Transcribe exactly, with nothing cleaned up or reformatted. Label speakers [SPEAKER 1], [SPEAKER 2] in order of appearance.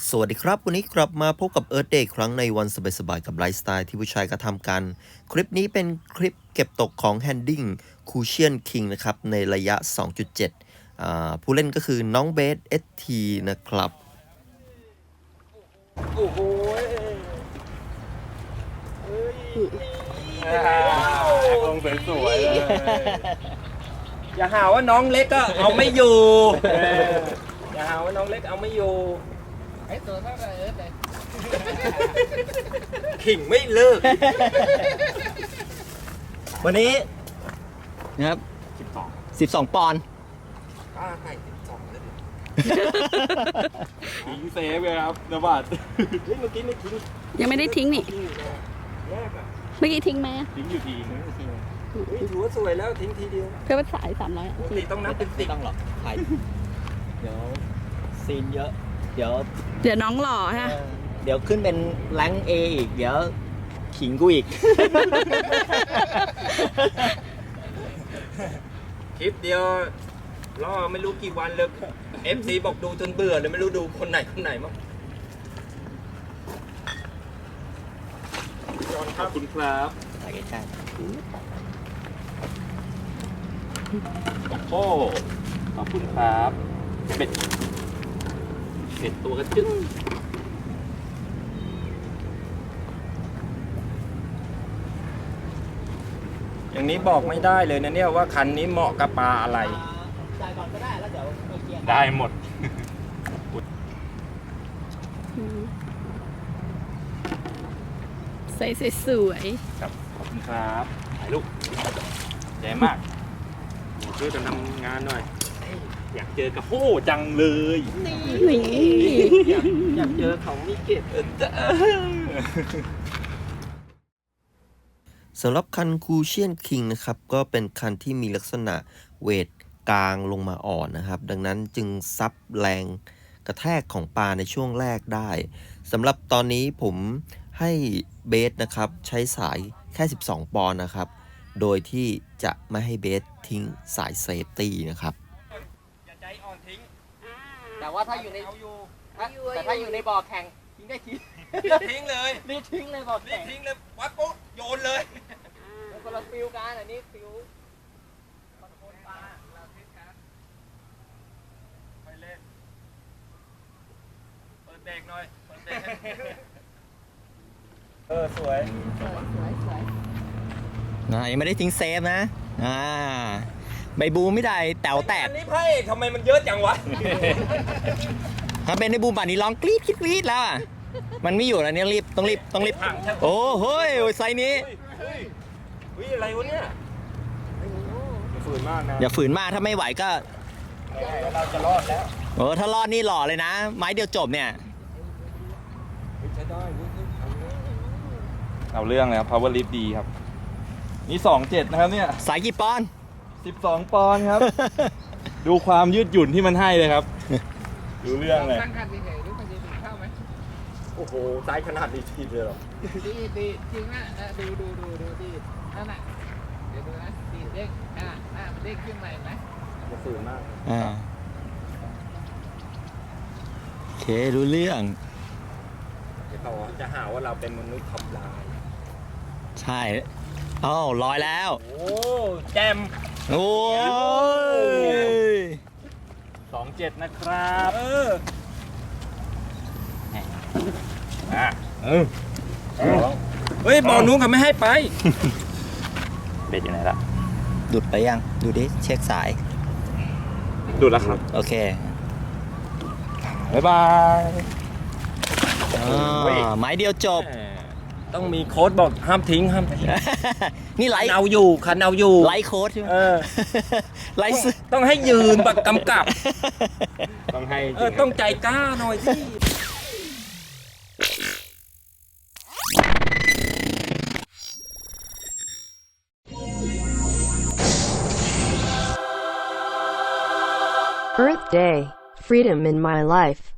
[SPEAKER 1] สวัสดีครับวันนี้กลับมาพบกับเอิร์ธเดย์ครั้งในวันสบายๆกับไลฟ์สไตล์ที่ผู้ชายกระทำกันคลิปนี้เป็นคลิปเก็บตกของ Handing Cushion King นะครับในระยะ สองจุดเจ็ด อ่าผู้เล่นก็คือน้องเบส เอส ที นะครับ
[SPEAKER 2] โอ้โหลงสวยๆเลยอย่าหาว่าน้องเล็กก็เอาไม่อยู่อย่าหาว่าน้องเล็กเอาไม่อยู่ไอ้ตัวเท่าไหร่เออแต่ขิงไม่เลิก
[SPEAKER 3] วันนี้นะครับสิบสองสิบสองปอนด์
[SPEAKER 2] ป้าให้สิบสองเลยทิ้งเซฟเลยครับนบัดเฮ้ยเมื่อกี้ไม่ทิ้ง
[SPEAKER 4] ยังไม่ได้ทิ้งนี่เมื่อกี้ทิ้งไหม
[SPEAKER 2] ทิ้งอยู่ทีนึงถือว่าสวยแล้วทิ้งทีเดียว
[SPEAKER 4] เพื่อว่าสายสามร้อย
[SPEAKER 2] ปกติต้องนับเป็นสิบ
[SPEAKER 3] ต้องหรอกถ่ายเดี๋ยวซีนเยอะเดี๋ยว
[SPEAKER 4] เดี๋ยวน้องหล่อฮะ
[SPEAKER 3] เดี๋ยวขึ้นเป็นแรงเออีกเดี๋ยวขิงกูอีก
[SPEAKER 2] คลิปเดียวรอไม่รู้กี่วันเลย เอฟ ซี บอกดูจนเบื่อเลยไม่รู้ดูคนไหนคนไหนมั้งขอบคุณครับ
[SPEAKER 3] ถ่ายใกล้
[SPEAKER 2] ๆโอ้ขอบคุณครับเป็ดเป็ดตัวกระจึ้งอย่างนี้บอกไม่ได้เลยนะเนี่ยว่าคันนี้เหมาะกับปลาอะไร
[SPEAKER 3] จ่ายก่อนก็ได้แล้วเดี๋ยว
[SPEAKER 2] ได้หมด
[SPEAKER 4] ใส่สวย
[SPEAKER 2] ๆครับขอบคุณครับถ่ายรูปแย่มากช่วยกันทำงานหน่อยอยากเจอกับโอ้จังเลย
[SPEAKER 4] นี่
[SPEAKER 3] อยากอยากเจอเขามีเก็บ
[SPEAKER 1] สำหรับคัน Cushion King นะครับก็เป็นคันที่มีลักษณะเวทกลางลงมาอ่อนนะครับดังนั้นจึงซับแรงกระแทกของปลาในช่วงแรกได้สำหรับตอนนี้ผมให้เบสนะครับใช้สายแค่สิบสองปอนด์นะครับโดยที่จะไม่ให้เบสทิ้งสายเซฟตี้นะครับ
[SPEAKER 2] อย่าใจอ่อนทิ้ง
[SPEAKER 3] แต่ว่าถ้าอยู่ในแต่ถ้าอยู่ในบ่อแข่งทิ้งได้ทิ้ง
[SPEAKER 2] ทิ้งเลย
[SPEAKER 3] นี่ทิ้งเลยบ่อแข่ง
[SPEAKER 2] ทิ้งเลยวัดปุ๊บโยนเลย
[SPEAKER 3] คนละฟิวกันอันนี้ฟิว
[SPEAKER 2] คอนโทรลปลาเราทิ้งกันไปเล่นเปิดเบรกหน่อยเปิดเบรกเออสวย
[SPEAKER 4] สวยสวยสวย
[SPEAKER 3] นะยังไม่ได้ทิ้งเซฟนะอ่าใบบูไม่ได้แต๋วแตก
[SPEAKER 2] อันนี้ไพ่ทำไมมันเยอะจังวะ
[SPEAKER 3] ถ้าเป็นในบูมป่านนี้ร้องกรี๊ดกรี๊ดแล้วอ่ะมันไม่อยู่แล้วเนี่ยรีบต้องรีบต้องรีบโอ้โหไซนี้
[SPEAKER 2] วิอะไรวะเนี่ยอย่าฝืนมากนะ
[SPEAKER 3] อย่าฝืนมากถ้าไม่ไหวก็
[SPEAKER 2] เราจะรอดแล้ว
[SPEAKER 3] โอ้ถ้ารอดนี่หล่อเลยนะไม้เดียวจบเนี่ย
[SPEAKER 2] ใช้ได้เอาเรื่องเลยครับ power lift ดีครับนี่สองเจ็ดนะครับเนี่ย
[SPEAKER 3] สายกี่ปอนด์
[SPEAKER 2] สิบสองปอนด์ครับดูความยืดหยุ่นที่มันให้เลยครับดูเรื่องเลย
[SPEAKER 4] ตั้งคันดีๆรู้คันดีๆเข้าไหม
[SPEAKER 2] โอ้โหไซส์ขนาดนี้ทีเลยหรอ
[SPEAKER 4] ดีดีจริงนะดูดูดูดูดีนั่นแหละเดี๋ยวดูนะดีเด้งอ่าอ่ามันเด้งขึ้นมาเห็นไหม
[SPEAKER 2] จะฝืนมาก
[SPEAKER 3] อ่าโอเครู้เรื่อง
[SPEAKER 2] เขาจะหาว่าเราเป็นมนุษย์ทำลาย
[SPEAKER 3] ใช่อ้าวลอยแล้ว
[SPEAKER 2] โอ้แจม
[SPEAKER 3] โอ้ย
[SPEAKER 2] สองเจ็ดนะครับเอออ่ะเออเฮ้ยบอลนู้นเขาไม่ให้ไปเบ็ดอยู่ไหนล่ะ
[SPEAKER 3] ดูดไปยังดูดิเช็คสาย
[SPEAKER 2] ดูดแล้วครับ
[SPEAKER 3] โอเค
[SPEAKER 2] บ๊ายบาย
[SPEAKER 3] ไม้เดียวจบ
[SPEAKER 2] ต้องมีโค้ดบอกห้ามทิ้งห้ามทิ้ง
[SPEAKER 3] นี่ไล
[SPEAKER 2] ท์เอาอยู่คันเอาอยู่
[SPEAKER 3] ไลท์โค้ดใช่ไหมไลท์
[SPEAKER 2] ต้องให้ยืนแบบกำกับ
[SPEAKER 3] ต้องให้
[SPEAKER 2] เออต้องใจกล้าหน่อยสิ
[SPEAKER 5] Earth Day, freedom in my life.